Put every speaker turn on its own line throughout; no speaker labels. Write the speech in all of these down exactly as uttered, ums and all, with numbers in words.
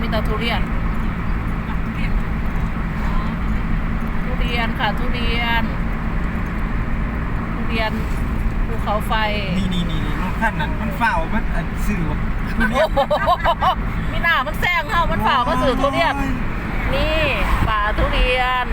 แต่ทุเรียนทุเรียนค่ะทุเรียนทุเรียนภูเขาไฟ
นี่นี่นี่รถคันนั้นมันเฝ้ามันสื่อ
มีหน้ามันแซงเข้ามันฝ่าก็สื่อทุเรียนนี่ป่าทุเรียน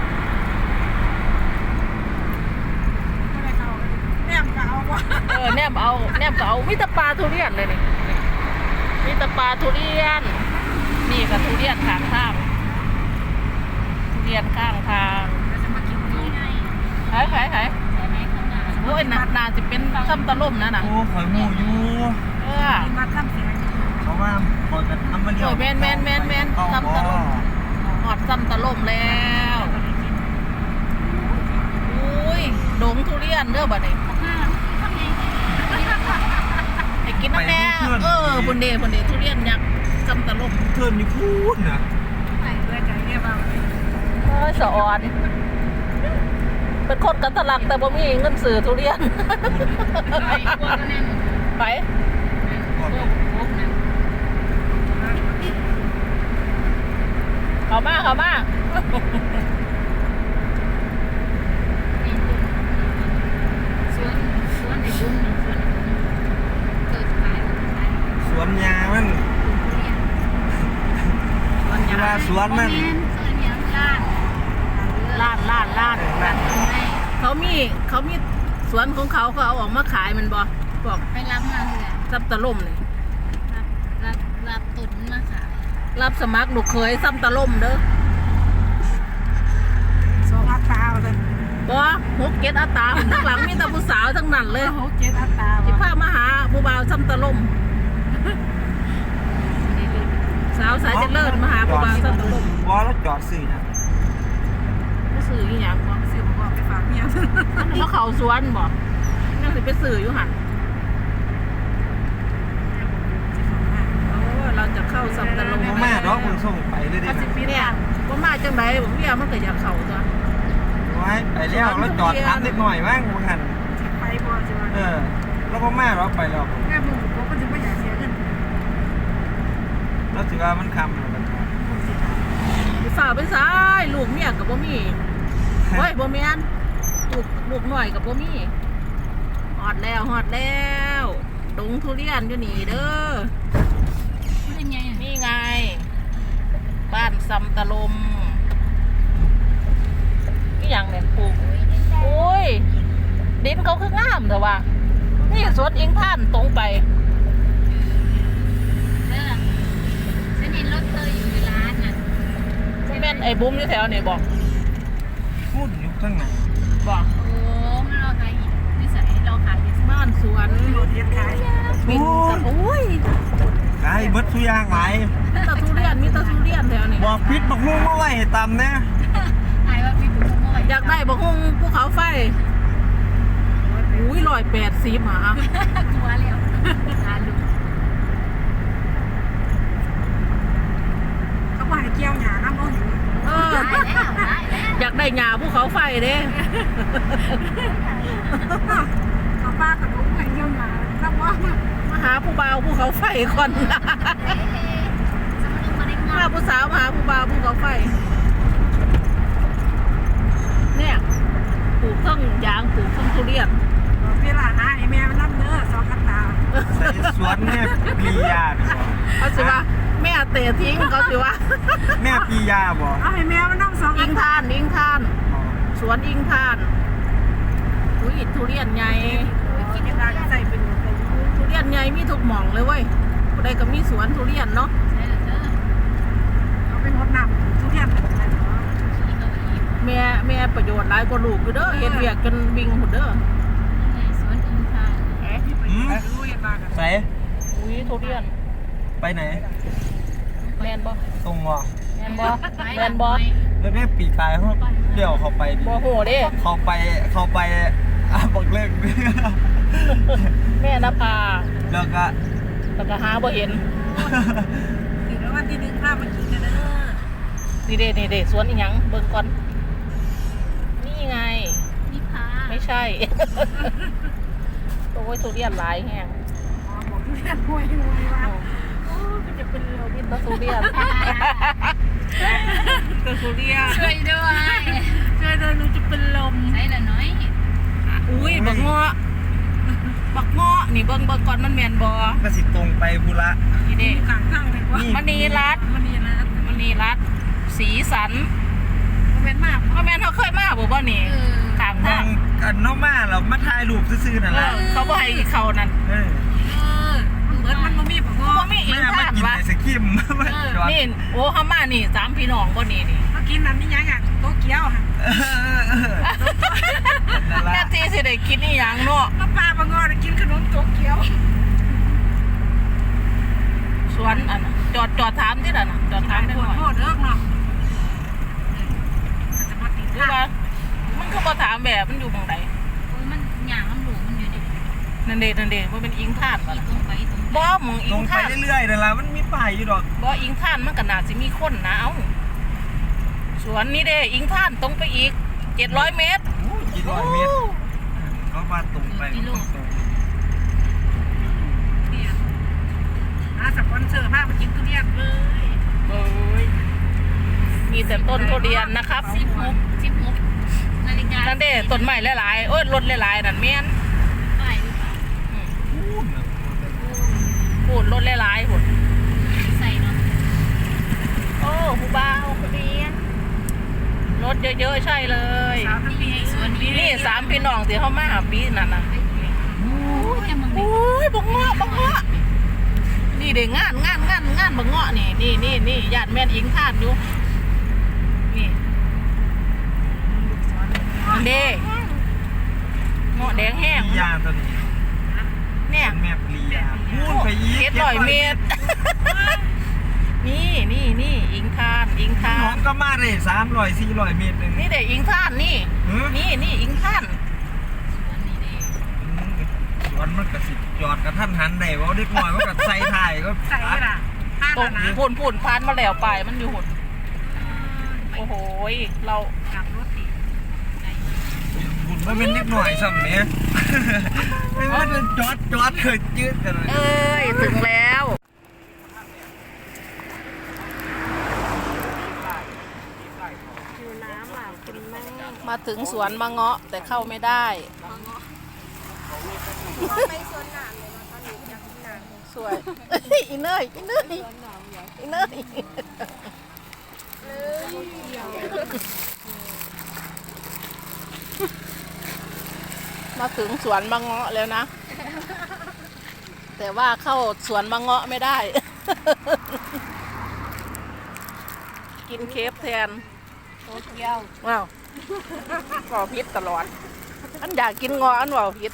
แนมก็เอาวะ
เออแนมเอาแนมก็เอามิตรปลาทุเรียนเลยนี่มิตรปลาทุเรียนนี่กับทุเรียนข้างทางทุเรียนข้างทางหายหายหายโอ้ยนานาจะเป็นซ้ำตะล่มนะนะ
โอ้ข่อยหมูอยู่
เออ
มาทำเสียง
เขาว่าคอยกันทำมาเดียว
แมนแมนแมนแมนซ้ำตะล่มหอดซ้ำตะล่มแล้วอุ้ยดงทุเรียนเด้อบ่เนี่ยไอ้กินน้ำแม่เออบนเดบนเดทุเรียนยักษ์ซ้ำตะล่ม
เทินอยู่พูดนะ
ไอ้เบื่อใจเนี่ยบ้าง
เออสะอ่อนเป็นคนกันตลักแต่บ่มีเงินซื้อทุเรียนไปเข้ามาเข้ามา
สวนยามันเวลาสวนมัน
ล้านล้านล้านเขามีเขามีสวนของเขาเขาเอาออกมาขายมันบ่บอก
ไปรับมาเลย
ซับตะล่มเลย
รับรับรับตุนมาขาย
รับสมัครลูกเคยซ้ำตะล่มเด้อ
สองอัตราเลย
บ่หกเจ็ดอัตราทั้งหลังมีแต่ผู้สาวทั้งนั้นเลย
หกเจ็ดอัตรา
ที่พามาหาผู้บ่าวซ้ำตะล่มสาวสายเจริญมาหาผู้บ่าวซ้ำตะล่ม
ว่าแล้วจอดสื่อนะ
สื่ออีหยังบ่
สื่อบอกไปฝากเมีย
เขาเขาสวนบ่นั่นสิไปสื่ออยู่หันเราจะเข้าซ้ำตะล่ม
แม่ร้องมันส่งไปเลยดิ
เนี่ยว่ามาจังไดผมเรียกมันก็อยากเข้าตัว
ไว้ไปแล้วแล้วจอดทับนิดหน่อยบ้างมึงหัน
ไปบ่ใช่ไหม
เออแล้วก็แม่เราไปแล้ว
แม่มึงบอกว่าจะไม่อยากเสียเงิน
แล้วถือว่ามันคำ
ฝ่าไปซ้ายลูกเมียกับบ่มีโอ้ยบ่แม่นลูกลูกหน่อยกับบ่มีฮอดแล้วฮอดแล้วดงทุเรียนอยู่นี่เด้อนี่ไงบ้านซ้ำตะลมนี่อย่างเนี่ยปลูกโอ้ยดินเขาคืองามแต่ว่านี่สวนอิงท่านตรงไป
เออฉันเห็นรถเธออยู่ในร้านน่ะ
ที่แม่นไอ้บุ้มอยู่แถวนี่บอก
พูดอยู่ข้างไหน
บอก
โอ้มันรอขายนิสัยเราขาย
บ้านสวน
รถเทียนขาย
บินกับโอ้ย
ขายเบิดทุกอย่างไหล
มีตะทุเรียนมีตะทุเรียนแถวนี้
บอกพิษบอกมุ่งเมื่อไหร่ตำเนี่ย
ขายว่าพิษบอกมุ่งเมื่อไหร่
อยากได้บอกมุ่งภูเขาไฟอุ้ยลอยแปดสิบหา
ตัวเร็วหาลูก
เขาบอกให้เกี่ยวหยาน้ำมัน
เอออยากได้หญ้าภูเขาไฟเด้
เขาป้ากับลูกให้เกี่ยวหยาน้ำมัน
มาหาผู้บ่าวภูเขาไฟก่อนมาผู้สาวมาหาผู้บ่าวภูเขาไฟเนี่ยปลูกทั้งยางปลูกทั้งทุเรียน
เวลาหาไอ้แม่มันน้ำเนื้อสองอัตรา
ใส่สวนแม่ปียา
เขาสิว่าแม่เตะทิ้งเขาสิว่า
แม่ปียาบ่
เอาให้แม่มันน้ำสอง
อิงทานอิงทานสวนอิงทานอุ้ยทุเรียนใหญ่
กินได้ใส่เป็น
ทุเรียนใหญ่มีทุกหม่องเลยเว้ยผู้ใดก็มีสวนทุเรียนเนาะ
เขาเป็นงดน้ำทุเรียน
แม่แม่ประโยชน์หลายกว่าลูกอยู่เด้อเฮ็ดเวียกกันวิ่งหมดเด้อ
สวนอิงทาน
ใส่
อุ้ยทุเรียน
ไปไหน
แมนบ่
ตรงว่ะ
แมนบ่แมนบ่
แล้วแม่ปีกายเขาเดี่ยวเขาไปดิ
บ่โหเด้
เขาไปเขาไปอ่ะบอกเลิก
แม่นภา
แล้วก็
แล้วก็หาบ่เห็น
ถือว่าวันที่หนึ่งภาพมันกินกันเด้อ
นี่เด้นี่เด้สวนอีหยังเบิ่งก่อนนี่ไง
นี่พา
ไม่ใช่โอ้ยทุเรียนหลายแฮง
อ๋อบอกทุเรียนห่วยห่วยว่าโอ้มันจะเป็นลม
กินตะสุเรียนตะสุเรียน
ช่วยด้วย
ช่วยด้วยหนูจะเป็นลม
ใช่ละน้อย
อุ้ยบักเงาะบักเงาะนี่เบิ่งเบิ่งก่อนมันแม่นบ่
ก็สิตรงไปบุระ
นี่เด้
ข้างข้างเลยว่า
มณีรัตน์
มันนี่นะ
มณีรัตน์สีสัน
มันเป็นมาก
พ่อแม่นเขาเคยมาบ่บ่นี่
เออ
ทาง
มอ
ทาง
งกันนอกมาเรามาถ่ายรูปซื่อๆนั่นแหละ
เขาบ่ให้เขานั่น
เออ
เออเหมือนมันบ่มีผักงอ
บ่มีอิ
ไม่
ง
เอามา
ท่าน
กิน
วะ
ไอศครีมมาจอด
นี่โอ้เฮามานี่สามพี่น้องบ่นี่นี่
เมื่อกี้นั้นนี่ยังอ่ะโตเกียวค่ะ
เออเออนั่น
แค่
ละ
ที่สิได้กินอีหยังเนาะ
ป้าป้าผักงอได้กินขนมโตเกียว
สวนอันน่ะจอดจอดถามที่นั่นน่ะจอดถามได้
ป
ห
ว
น่
ด
อย
โทษเด้อเนาะจะมาติด
หรือ
ข้า
ว่ามันก็บ่ถามแบบมันอยู่หม่องใด
โอ้ยมันหยางมันหลูมันอยู่ดิ
นั่นเด้นั่นเด้บ่เป็นอิงท่านบ่
อี
ล่ะ
ตรงไปตรง
บ่หมองอิ
ตรง งไป
ท่าน
เรื่อยๆนั่นละมันมีป้ายอยู่ดอก
บ่อิงท่านมันก็น่าสิมีคนนะเอ้าสวนนี่เด้อิงท่านตรงไปอีกเจ็ดร้อยเมตร
อู้กี่ร้อยเมตรเขาว่าตรงไปมันต้องตรง
เนี่ยอาสปอนเซอร์พามากินทุเรียนเลย
โอ้ยมีแต่ต้นทุเรียนนะครับ
สิบหกสิบหกนาฬิกา
นั่นเด้ต้นไม้หลายๆโอ้ยรถหลายๆนั่นแม่น
ป้ายหรือเปล่า
อืม
อู้น่ะ
พูดรถหลายๆพุ่น
ใส่เนาะ
โอ้ผู้บ่าวคนนี้รถเยอะๆใช่เลย
สาวทั้งปี
สวนนี้
นี่สามพี่น้องที่เขามาหาปีนั่นน่ะ
โอ้ยแต่มึง
โอ้ยบักเงาะบักเงาะนี่เด้งานงานงานงานบักเงาะนี่นี่นี่นี่ญาติแม่นอิงทานอยู่นี่อันเด้เงาะแดงแห้ง
มียาตัวนี้
เนี่ย
แม่ปลียาพูดไปอีก
เจ็ดร้อยเมตร นี่นี่นี่อิงทานอิงทา
น้อน งก็มาเลยสามร้อยสี่ร้อยเมตรเลย
นี่เด็กอิงทานนี่
เออ
นี่นี่อิงทาน
สวนนี้ดิ
สวนมันก็สิจอดกับท่านหันได้ว่าเด็กน้อยมันก็ใส่ถ่ายก็
ใส่ละห้า
ตรง
นะ
พุ่นพุ่นพานมาแล้วไปมันอยู่หุ่นโอ้โหยเรา
กลับรถอีก
บุญมันเป็นเล็กน้อยซ้ำเนี้ยไม่ว่าจะจอดจอดเคยจืดกันเลย
เอ้ยถึงแล้วมาถึงสวนมะเงาะแต่เข้าไม่ได้สวยอีเนยอีเนยอีเนยมาถึงสวนมะเงาะแล้วนะ แต่ว่าเข้าสวนมะเงาะไม่ได้ กินเคฟแทน
โตเกียว
ว้าวก่อพิษตลอด อันอยากกินงออันว่าพิษ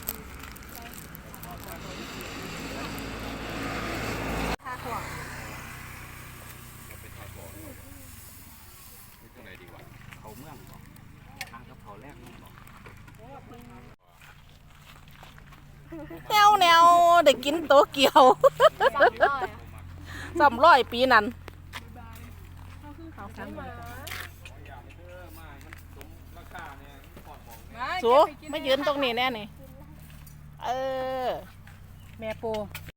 เขาเมืองบอกทางกับเขาแรกนี่บอก
แนวแนวได้กินโตเกียวสามร้อยปีนั้นสูไม่ยืนตรงนี้แน่นี่เออ
แม่ปู